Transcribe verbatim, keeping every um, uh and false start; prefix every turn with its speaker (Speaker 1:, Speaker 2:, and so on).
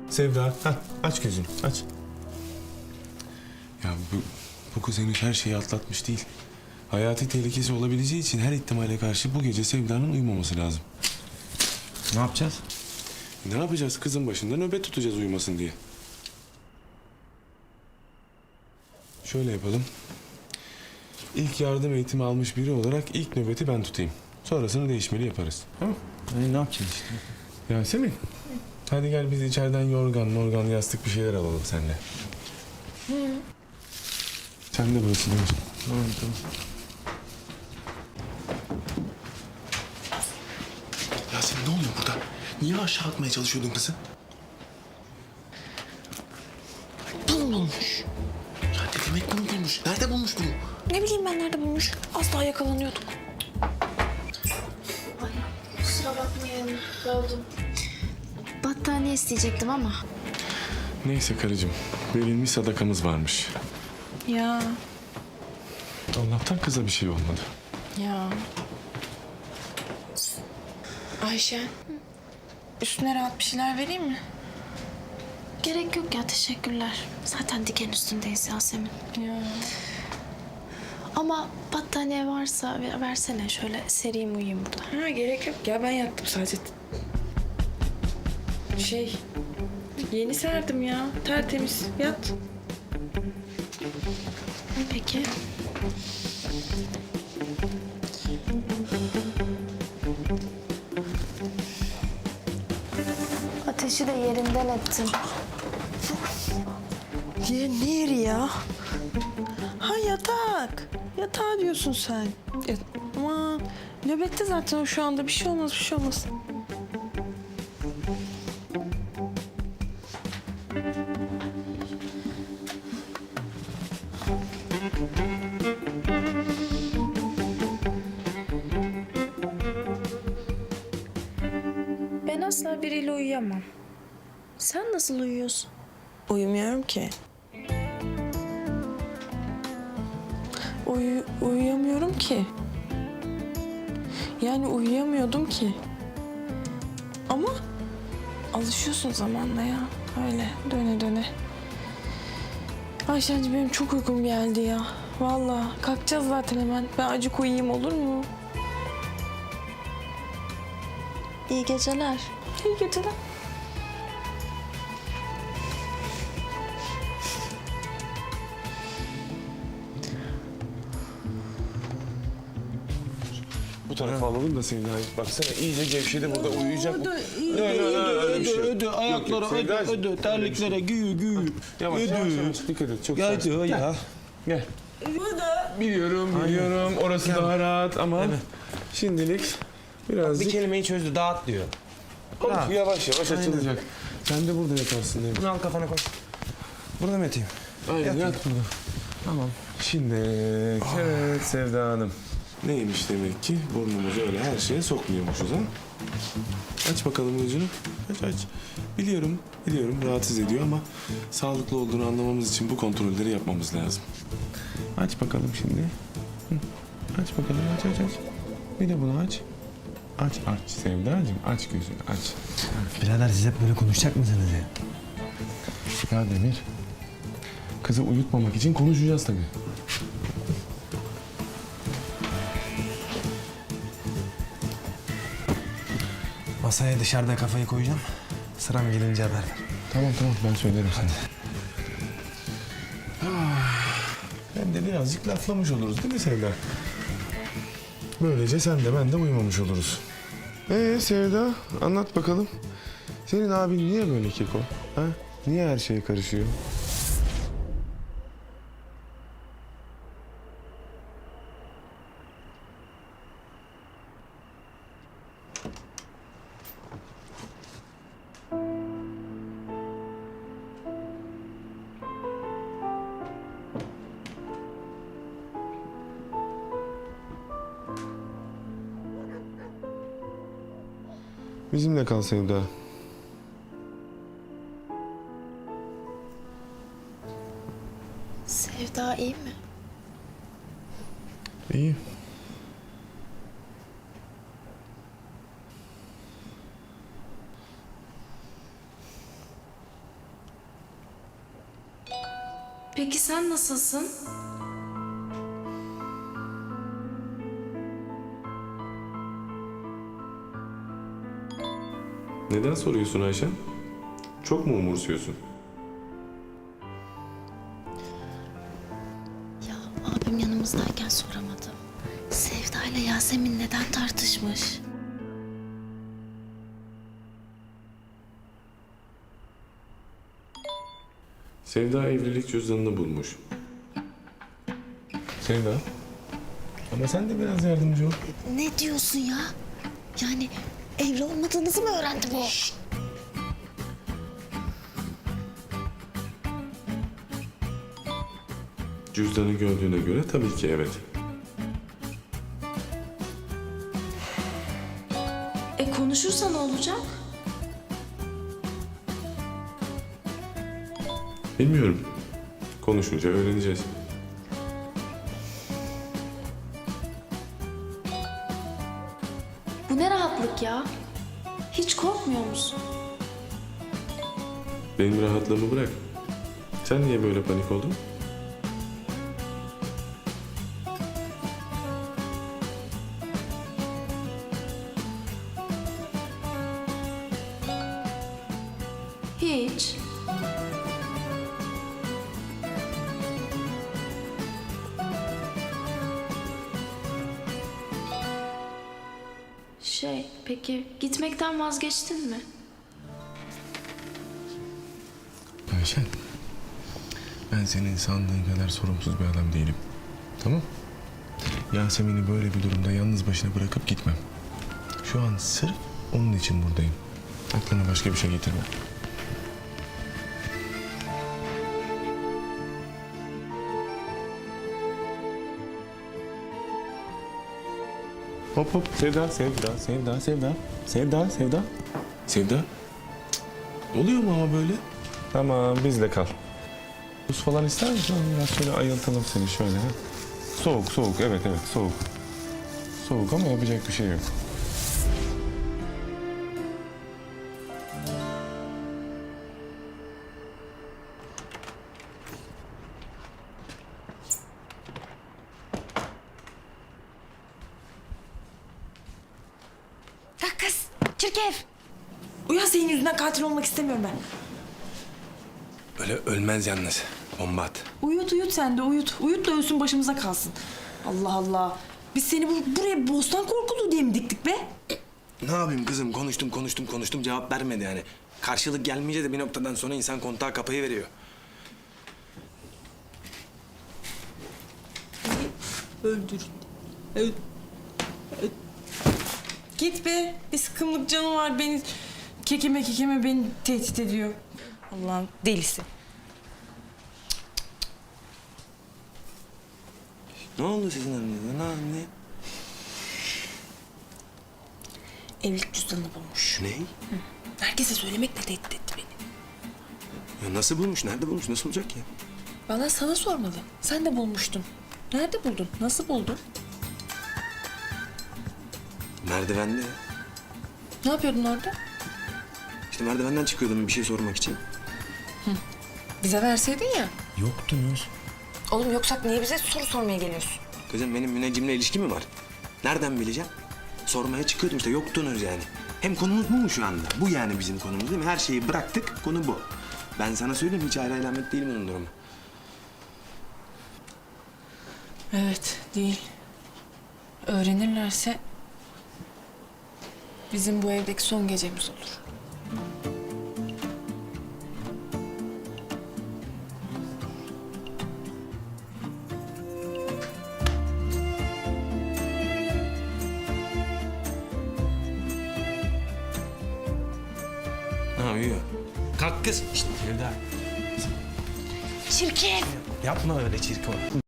Speaker 1: Sevda, heh, aç gözünü, aç. Ya bu, bu kız henüz her şeyi atlatmış değil. Hayati tehlikesi olabileceği için her ihtimale karşı bu gece Sevda'nın uyumaması lazım.
Speaker 2: Ne yapacağız?
Speaker 1: Ne yapacağız? Kızın başında nöbet tutacağız uyumasın diye. Şöyle yapalım. İlk yardım eğitimi almış biri olarak ilk nöbeti ben tutayım. Sonrasını değişmeli yaparız. Tamam mı?
Speaker 2: Hani ne yapacağız işte?
Speaker 1: Yasemin. Hadi gel biz içeriden yorgan, morgan, yastık bir şeyler alalım seninle. Hı. Sen de burası değil mi?
Speaker 2: Tamam tamam.
Speaker 1: Yasemin ne oluyor burada? Niye aşağı atmaya çalışıyordun kızı? Bunu bulmuş. Ya ne demek bunu bulmuş? Nerede bulmuş bunu?
Speaker 3: Ne bileyim ben nerede bulmuş. Az daha yakalanıyorduk.
Speaker 4: Ay, kusura bakmayın. Böldüm. Battaniye isteyecektim ama.
Speaker 1: Neyse karıcığım. Verilmiş sadakamız varmış.
Speaker 3: Ya
Speaker 1: Allah'tan kıza bir şey olmadı.
Speaker 3: ya. Ayşe. Üstüne rahat bir şeyler vereyim mi?
Speaker 4: Gerek yok ya, teşekkürler. Zaten diken üstündeyiz Yasemin.
Speaker 3: Ya.
Speaker 4: Ama battaniye varsa ver- versene, şöyle sereyim uyuyayım burada.
Speaker 3: Ha gerek yok ya ben yattım sadece. Şey yeni serdim ya tertemiz yat.
Speaker 4: Peki. Ateşi de yerinden ettim.
Speaker 5: Yer ne yeri ya? Ha yatak. Yatağı diyorsun sen. Ya, aman nöbette zaten o şu anda. Bir şey olmaz, bir şey olmaz.
Speaker 3: Ben asla biriyle uyuyamam. Sen nasıl uyuyorsun?
Speaker 5: Uyumuyorum ki. Uyu, uyuyamıyorum ki. Yani uyuyamıyordum ki. Ama alışıyorsun zamanla ya. Öyle döne döne. Ayşenci benim çok uykum geldi ya. Vallahi kalkacağız zaten hemen. Ben acık uyuyayım olur mu?
Speaker 4: İyi geceler.
Speaker 5: İyi geceler.
Speaker 1: Bu tarafa alalım da Sevda. Baksana iyice gevşedi burada uyuyacak.
Speaker 2: Ödü,
Speaker 1: Yok, yok, yok, öyle bir şey yok.
Speaker 2: ödü,
Speaker 1: Yok, yok,
Speaker 2: ayaklara ödü,
Speaker 1: Sevdacığım,
Speaker 2: ödü,
Speaker 1: öyle bir
Speaker 2: terliklere
Speaker 1: şey.
Speaker 2: gü gü.
Speaker 1: Yavaş
Speaker 2: Ödü.
Speaker 1: yavaş yavaş dikkat et. Çok
Speaker 2: Ya
Speaker 1: sakin.
Speaker 2: ödü ya.
Speaker 1: Gel. Biliyorum, biliyorum. Orası daha rahat ama şimdilik
Speaker 2: Bir
Speaker 1: birazcık...
Speaker 2: kelimeyi çözdü, dağıt diyor.
Speaker 1: Of,
Speaker 2: rahat.
Speaker 1: yavaş yavaş
Speaker 2: Aynen.
Speaker 1: açılacak. Sen de burada yatarsın değil mi?
Speaker 2: Bunu al kafana koy. Burada mı yatayım?
Speaker 1: Aynen yat burada.
Speaker 2: Tamam.
Speaker 1: Şimdi evet Sevda Hanım. Neymiş demek ki burnumuzu öyle her şeye sokmuyormuşuz ha? Aç bakalım gözünü. Aç aç. Biliyorum, biliyorum rahatsız ediyor ama sağlıklı olduğunu anlamamız için bu kontrolleri yapmamız lazım. Aç bakalım şimdi. Hı. Aç bakalım aç aç aç. Bir de bunu aç. Aç aç Sevdacığım aç gözünü aç.
Speaker 2: Birader siz hep böyle konuşacak mısınız ya?
Speaker 1: Ya Demir. Kızı uyutmamak için konuşacağız tabii.
Speaker 2: Masaya dışarıda kafayı koyacağım. Sıram gelince haber ver.
Speaker 1: Tamam tamam ben söylerim sana. Ah, hem de birazcık laflamış oluruz değil mi Sevda? Böylece sen de ben de uyumamış oluruz. Ee Sevda anlat bakalım. Senin abin niye böyle keko? Ha? Niye her şeye karışıyor? Bizimle kal Sevda.
Speaker 4: Sevda iyi mi?
Speaker 1: İyi.
Speaker 4: Peki sen nasılsın?
Speaker 1: Neden soruyorsun Ayşen? Çok mu umursuyorsun?
Speaker 4: Ya abim yanımızdayken soramadım. Sevda ile Yasemin neden tartışmış?
Speaker 1: Sevda evlilik cüzdanını bulmuş. Sevda. Ama sen de biraz yardımcı ol.
Speaker 4: Ne diyorsun ya? Yani evli olmadığınızı mı öğrendi bu?
Speaker 1: Cüzdanı gördüğüne göre tabii ki evet.
Speaker 4: E konuşursa ne olacak?
Speaker 1: Bilmiyorum. Konuşunca öğreneceğiz.
Speaker 4: Bu ne rahatlık ya? Hiç korkmuyor musun?
Speaker 1: Benim rahatlığımı bırak. Sen niye böyle panik oldun?
Speaker 4: Hiç. Şey, peki gitmekten vazgeçtin mi?
Speaker 1: Ayşen. Ben senin sandığın kadar sorumsuz bir adam değilim. Tamam? Yasemin'i böyle bir durumda yalnız başına bırakıp gitmem. Şu an sırf onun için buradayım. Aklına başka bir şey getirme. Hop hop. Sevda, Sevda, Sevda, Sevda. Sevda, Sevda. Sevda. Cık. Oluyor mu ama böyle? Tamam, bizle kal. Buz falan ister misin? Biraz şöyle ayıltalım seni şöyle. Ha? Soğuk, soğuk. Evet, evet, soğuk. Soğuk ama yapacak bir şey yok.
Speaker 5: Ya kız, çirkef. Uyan, senin yüzünden katil olmak istemiyorum ben.
Speaker 2: Öyle ölmez yalnız. Bomba at.
Speaker 5: Uyut uyut sen de uyut. Uyut da ölsün başımıza kalsın. Allah Allah. Biz seni bu, buraya bostan korkulu diye mi diktik be?
Speaker 2: Ne yapayım kızım? Konuştum konuştum konuştum cevap vermedi yani. Karşılık gelmeyince de bir noktadan sonra insan kontağı kapayı veriyor.
Speaker 5: Öldür. Öl. Öl. Git be. Bir sıkımlık canı var, beni kekeme kekeme beni tehdit ediyor. Allah'ın delisi.
Speaker 2: Ne oldu sizin aranızda? Ne anne?
Speaker 5: Evlilik cüzdanını bulmuş.
Speaker 2: Ne?
Speaker 5: Herkese söylemekle tehdit etti beni.
Speaker 2: Ya nasıl bulmuş? Nerede bulmuş? Nasıl olacak ya?
Speaker 5: Bana sana sormalı. Sen de bulmuştun. Nerede buldun? Nasıl buldun?
Speaker 2: Merdivende.
Speaker 5: Ne yapıyordun orada?
Speaker 2: İşte merdivenden çıkıyordum bir şey sormak için.
Speaker 5: Bize verseydin ya.
Speaker 2: Yoktunuz.
Speaker 5: Oğlum yoksa niye bize soru sormaya geliyorsun?
Speaker 2: Kızım benim müneccimle ilişki mi var? Nereden bileceğim? Sormaya çıkıyordum işte yoktunuz yani. Hem konumuz bu mu şu anda? Bu yani bizim konumuz değil mi? Her şeyi bıraktık, konu bu. Ben sana söyleyeyim hiç ayrı alamet değil bunun durumu.
Speaker 5: Evet, değil. Öğrenirlerse bizim bu evdeki son gecemiz olur.
Speaker 2: Ha uyuyor. Kalk kız. İşte Sevda.
Speaker 4: Çirkin.
Speaker 2: Yapma öyle çirkin.